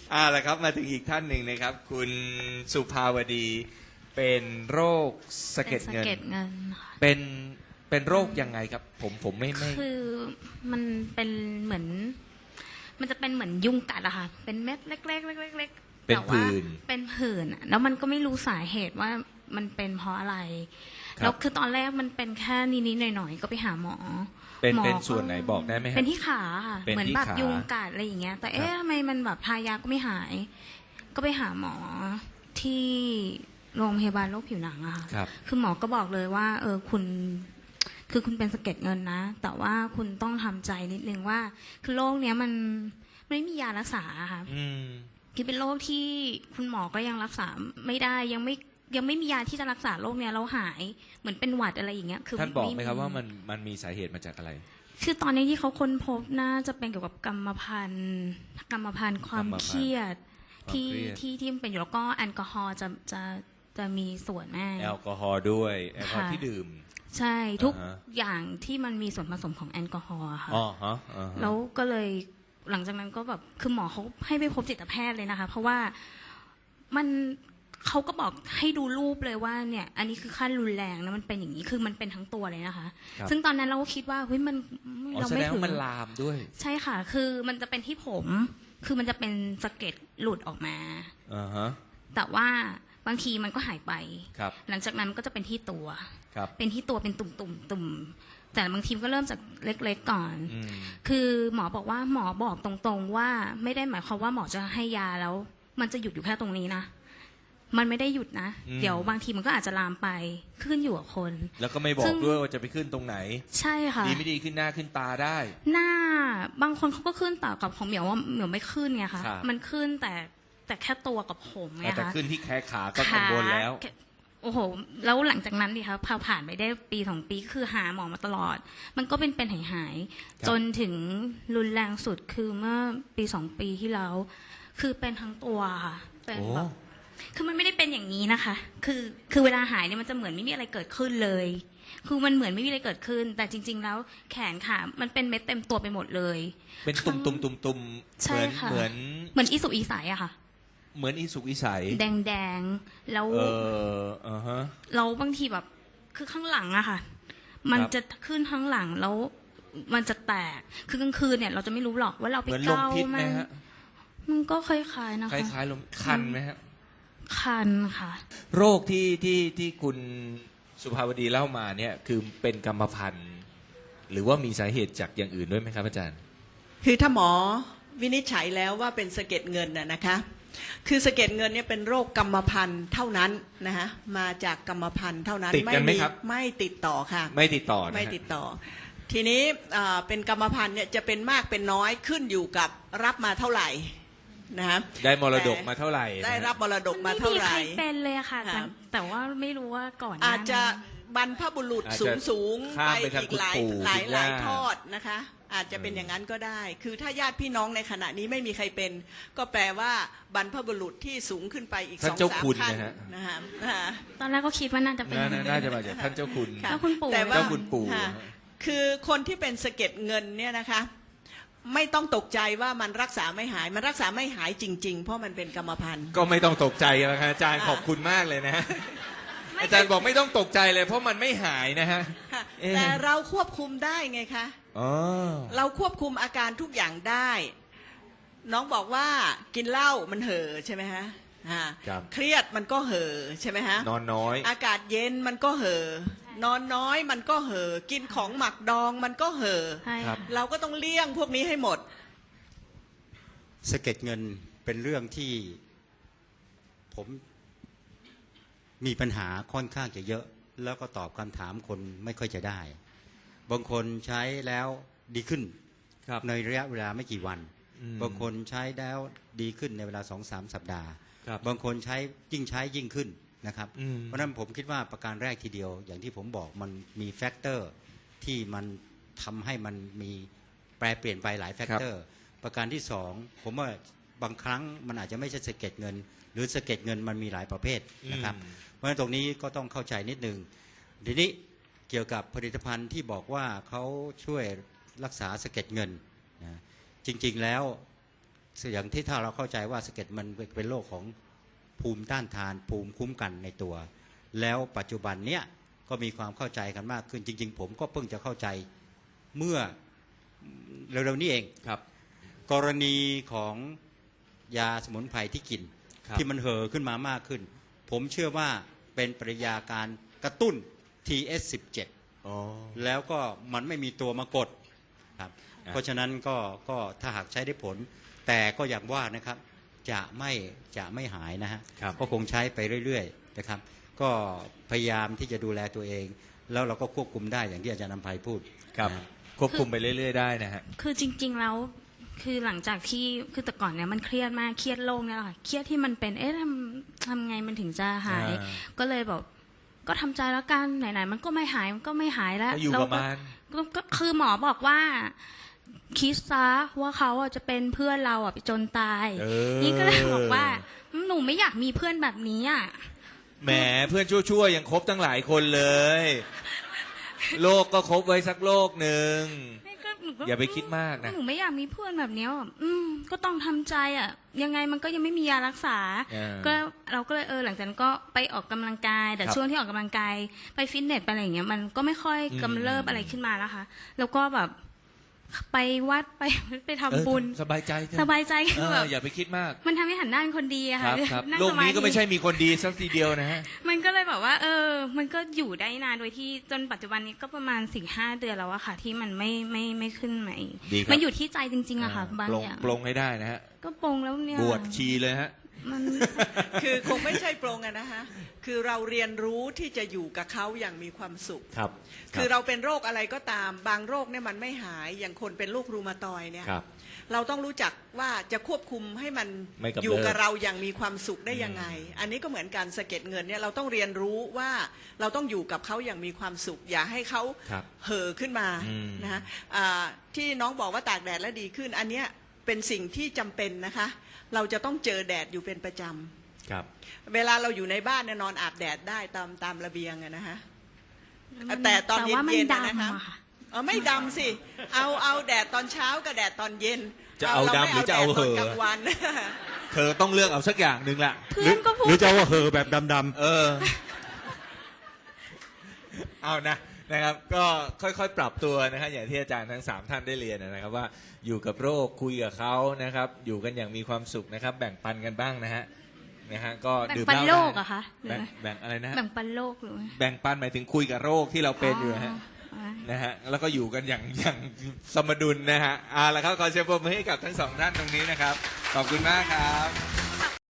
ละครับมาถึงอีกท่านหนึ่งนะครับคุณสุภาวดีเป็นโรคสะเก็ดเงินค่ะเป็นโรคยังไงครับผมไม่คือมันเป็นเหมือนมันจะเป็นเหมือนยุงกัดอะค่ะเป็นเม็ดเล็กๆเล็กๆเป็นผื่นเป็นผื่นแล้วมันก็ไม่รู้สาเหตุว่ามันเป็นเพราะอะไรแล้วคือตอนแรกมันเป็นแค่นิดๆหน่อยๆก็ไปหาหมอเป็นส่วนไหนบอกได้ไหมครับเป็นที่ขาค่ะเหมือนแบบยุงกัดอะไรอย่างเงี้ยแต่ทำไมมันแบบทายาก็ไม่หายก็ไปหาหมอที่โรงพยาบาลโรคผิวหนังอะค่ะคือหมอก็บอกเลยว่าคุณเป็นสะเก็ดเงินนะแต่ว่าคุณต้องทำใจนิดนึงว่าคือโรคเนี้ยมันไม่มียารักษาค่ะคือเป็นโรคที่คุณหมอก็ยังรักษาไม่ได้ยังไม่มียาที่จะรักษาโรคเนี้ยเราหายเหมือนเป็นหวัดอะไรอย่างเงี้ยคือท่านบอกไหมครับว่ามันมีสาเหตุมาจากอะไรคือตอนนี้ที่เขาค้นพบน่าจะเป็นเกี่ยวกับกรรมพันธุ์ความเครียดที่มันเป็นอยู่แล้วก็แอลกอฮอล์จะมีส่วนแน่แอลกอฮอล์ด้วยแอลกอฮอล์ที่ดื่มใช่ทุกอย่างที่มันมีส่วนผสมของแอลกอฮอล์ค่ะแล้วก็เลยหลังจากนั้นก็แบบคือหมอเขาให้ไปพบจิตแพทย์เลยนะคะเพราะว่าเขาก็บอกให้ดูรูปเลยว่าเนี่ยอันนี้คือขั้นรุนแรงนะมันเป็นอย่างนี้คือมันเป็นทั้งตัวเลยนะคะซึ่งตอนนั้นเราก็คิดว่าเฮ้ยมันเราไม่ถึงมันลามด้วยใช่ค่ะคือมันจะเป็นที่ผมคือมันจะเป็นสะเก็ดหลุดออกมาแต่ว่าบางทีมันก็หายไปหลังจากนั้นก็จะเป็นที่ตัวเป็นที่ตัวเป็นตุ่มแต่บางทีก็เริ่มจากเล็กๆก่อนคือหมอบอกว่าหมอบอกตรงๆว่าไม่ได้หมายความว่าหมอจะให้ยาแล้วมันจะหยุดอยู่แค่ตรงนี้นะมันไม่ได้หยุดนะเดี๋ยวบางทีมันก็อาจจะลามไปขึ้นอยู่กับคนแล้วก็ไม่บอกด้วยว่าจะไปขึ้นตรงไหนใช่ค่ะดีไม่ดีขึ้นหน้าขึ้นตาได้หน้าบางคนเขาก็ขึ้นต่อกับของเหมียวว่าเหมียวไม่ขึ้นไงคะมันขึ้นแต่แค่ตัวกับผมไงคะแต่ขึ้นที่แขนขาก็กังวลแล้วโอ้โหแล้วหลังจากนั้นดิคะพอผ่านไปได้ปี2 ปีคือหาหมอมาตลอดมันก็เป็นหายจนถึงรุนแรงสุดคือเมื่อปี2 ปีที่แล้วคือเป็นทั้งตัวค่ะเป็นแบบคือมันไม่ได้เป็นอย่างนี้นะคะคือเวลาหายเนี่ยมันจะเหมือนไม่มีอะไรเกิดขึ้นเลยคือมันเหมือนไม่มีอะไรเกิดขึ้นแต่จริงๆแล้วแขนขามันเป็นเม็ดเต็มตัวไปหมดเลยเป็นตุ่มใช่ค่ะเหมือนอีสุกอีใสอะค่ะเหมือนอีสุกอีใสแดงแล้วเราบางทีแบบคือข้างหลังอะค่ะมันจะขึ้นข้างหลังแล้วมันจะแตกคือกลางคืนเนี่ยเราจะไม่รู้หรอกว่าเราไปเกามันก็คล้ายๆนะคะคล้ายๆลมคันไหมครับคันค่ะโรคที่คุณสุภาวดีเล่ามาเนี่ยคือเป็นกรรมพันธุ์หรือว่ามีสาเหตุจากอย่างอื่นด้วยไหมครับอาจารย์คือถ้าหมอวินิจฉัยแล้วว่าเป็นสะเก็ดเงินนะคะคือสะเก็ดเงินเนี่ยเป็นโรคกรรมพันธุ์เท่านั้นนะคะมาจากกรรมพันธุ์เท่านั้นติดกันไหมครับไม่ติดต่อค่ะไม่ติดต่อไม่ติดต่อทีนี้เป็นกรรมพันธุ์เนี่ยจะเป็นมากเป็นน้อยขึ้นอยู่กับรับมาเท่าไหร่นะได้มรดกมาเท่าไหร่ได้รับมรดกมาเท่าไหร่ไม่มีใครเป็นเลยค่ะแต่ว่าไม่รู้ว่าก่อนอาจจะบรรพบุรุษสูงไปอีกหลายทอดนะคะอาจจะเป็นอย่างนั้นก็ได้คือถ้าญาติพี่น้องในขณะนี้ไม่มีใครเป็นก็แปลว่าบรรพบุรุษที่สูงขึ้นไปอีก2-3 ขั้นนะฮะตอนแรกก็คิดว่าน่าจะเป็นน่าจะมาจากท่านเจ้าคุณเจ้าคุณปู่แต่ว่าเจ้าคุณปู่คือคนที่เป็นสะเก็ดเงินเนี่ยนะคะไม่ต้องตกใจว่ามันรักษาไม่หายมันรักษาไม่หายจริงๆเพราะมันเป็นกรรมพันธุ์ก็ไม่ต้องตกใจนะครับอาจารย์ขอบคุณมากเลยนะอาจารย์บอกไม่ต้องตกใจเลยเพราะมันไม่หายนะฮะแต่เราควบคุมได้ไงคะเราควบคุมอาการทุกอย่างได้น้องบอกว่ากินเหล้ามันเห่อใช่ไหมฮะเครียดมันก็เห่อใช่ไหมฮะนอนน้อยอากาศเย็นมันก็เห่อนอนน้อยมันก็เห่อกินของหมักดองมันก็เห่อเราก็ต้องเลี่ยงพวกนี้ให้หมดสะเก็ดเงินเป็นเรื่องที่ผมมีปัญหาค่อนข้างจะเยอะแล้วก็ตอบคำถามคนไม่ค่อยจะได้บางคนใช้แล้วดีขึ้นในระยะเวลาไม่กี่วันบางคนใช้แล้วดีขึ้นในเวลา 2-3 สัปดาห์บางคนใช้ยิ่งขึ้นนะครับเพราะนั้นผมคิดว่าประการแรกทีเดียวอย่างที่ผมบอกมันมีแฟกเตอร์ที่มันทำให้มันมีแปรเปลี่ยนไปหลายแฟกเตอร์ประการที่สองผมว่าบางครั้งมันอาจจะไม่ใช่สะเก็ดเงินหรือสะเก็ดเงินมันมีหลายประเภทนะครับเพราะฉะนั้นตรงนี้ก็ต้องเข้าใจนิดนึงทีนี้เกี่ยวกับผลิตภัณฑ์ที่บอกว่าเขาช่วยรักษาสะเก็ดเงินนะจริงๆแล้วอย่างที่ถ้าเราเข้าใจว่าสะเก็ดมันเป็นโรคของภูมิต้านทานภูมิคุ้มกันในตัว แล้วปัจจุบันเนี้ยก็มีความเข้าใจกันมากขึ้นจริงๆผมก็เพิ่งจะเข้าใจเมื่อเร็วๆนี้เองครับกรณีของยาสมุนไพรที่กินครับที่มันเห่อขึ้นมามากขึ้น ผมเชื่อว่าเป็นปริยาการกระตุ้น TS17 อ๋อแล้วก็มันไม่มีตัวมากดครับเพราะฉะนั้นก็ถ้าหากใช้ได้ผล แต่ก็อย่างว่านะครับจะไม่หายนะฮะครับก็คงใช้ไปเรื่อยๆนะครับก็พยายามที่จะดูแลตัวเอง แล้วเราก็ควบคุมได้อย่างที่อาจารย์นำไพพูดครับนะควบคุมไปเรื่อยๆได้นะฮะคือจริงๆแล้วคือหลังจากที่คือแต่ก่อนเนี่ยมันเครียดมากเครียดโรคเนี่ยแหละค่ะเครียดที่มันเป็นทำไงมันถึงจะหาย ก็เลยบอกก็ทำใจแล้วกันไหนๆมันก็ไม่หายมันก็ไม่หายแล้วก็อยู่ประมาณก็คือหมอบอกว่าคิดซะว่าเขาอ่ะจะเป็นเพื่อนเราอ่ะไปจนตาย นี่ก็เลยบอกว่าหนูไม่อยากมีเพื่อนแบบนี้อ่ะแหมเพื่อนชั่วๆยังคบตั้งหลายคนเลย โลกก็คบไว้สักโลกหนึ่ง อย่าไปคิดมากนะหนูไม่อยากมีเพื่อนแบบเนี้ยอ่ะก็ต้องทำใจอ่ะยังไงมันก็ยังไม่มียารักษา ก็เราก็เลยหลังจากนั้นก็ไปออกกำลังกาย แต่ช่วงที่ออกกำลังกายไปฟิตเนสไปอะไรอย่างเงี้ยมันก็ไม่ค่อยกำเริบอะไรขึ้นมาแล้วค่ะแล้วก็แบบไปวัดไปทำบุญสบายใจเถอะสบายใจคือแบบอย่าไปคิดมากมันทำให้หันหน้าเป็นคนดีอะคค่ะรับครับนั่งโลกสานี้ธิก็ไม่ใช่มีคนดีสักทีเดียวนะฮะมันก็เลยแบบว่ามันก็อยู่ได้นานโดยที่จนปัจจุบันนี้ก็ประมาณ 4-5 เดือนแล้วอะค่ะ ที่มันไม่ขึ้นมาอีกดีครับมันอยู่ที่ใจจริงๆอะค่ะบางปลงอย่างปลงให้ได้นะฮะก็ปลงแล้วเนี่ยบวชชีเลยฮะมันคือคงไม่ใช่โปรงอะนะคะคือเราเรียนรู้ที่จะอยู่กับเขาอย่างมีความสุขครับคือเราเป็นโรคอะไรก็ตามบางโรคเนี่ยมันไม่หายอย่างคนเป็นโรครูมาตอยด์เนี่ยครับเราต้องรู้จักว่าจะควบคุมให้มันไม่กำเริบอยู่กับเราอย่างมีความสุขได้ยังไง อันนี้ก็เหมือนการสะเก็ดเงินเนี่ยเราต้องเรียนรู้ว่าเราต้องอยู่กับเขาอย่างมีความสุข อย่าให้เขาครับเห่อขึ้นมาอืมนะคะที่น้องบอกว่าตากแดดแล้วดีขึ้น อันเนี้ยเป็นสิ่งที่จำเป็นนะคะ เราจะต้องเจอแดดอยู่เป็นประจำครับเวลาเราอยู่ในบ้านเนี่ยนอนอาบแดดได้ตามระเบียงอะนะคะแต่ตอนเย็นแต่ว่ามัๆดำนะคะอะค่ะไม่ดำสิเอาแดดตอนเช้ากับแดดตอนเย็นจะเอาดำหรือจะเอาเหอะรไม่แดดตอนกลางวันเธอต้องเลือกเอาสักอย่างหนึ่งละเพื่อนก็พูหรืดอจะว่าเห่อแบบดำเอานะครับ ก็ค่อยๆปรับตัวนะครับอย่างที่อาจารย์ทั้ง3ท่านได้เรียนนะครับว่าอยู่กับโรคคุยกับเขานะครับ อยู่กันอย่างมีความสุขนะครับ แบ่งปันกันบ้างนะฮะก็แบ่งดื่มปันเหล้าโลได้กอะคะหรือไงแบ่งอะไรนะฮะแบ่งปันโลกหรือไงแบ่งปันหมายถึงคุยกับโรคที่เราเป็นอยู่นะฮะอ๋อนะฮะแล้วก็อยู่กันอย่างสมดุลนะฮะแล้วครับขอเชิญปรบมือให้กับทั้งสองท่านตรงนี้นะครับขอบคุณมากครับ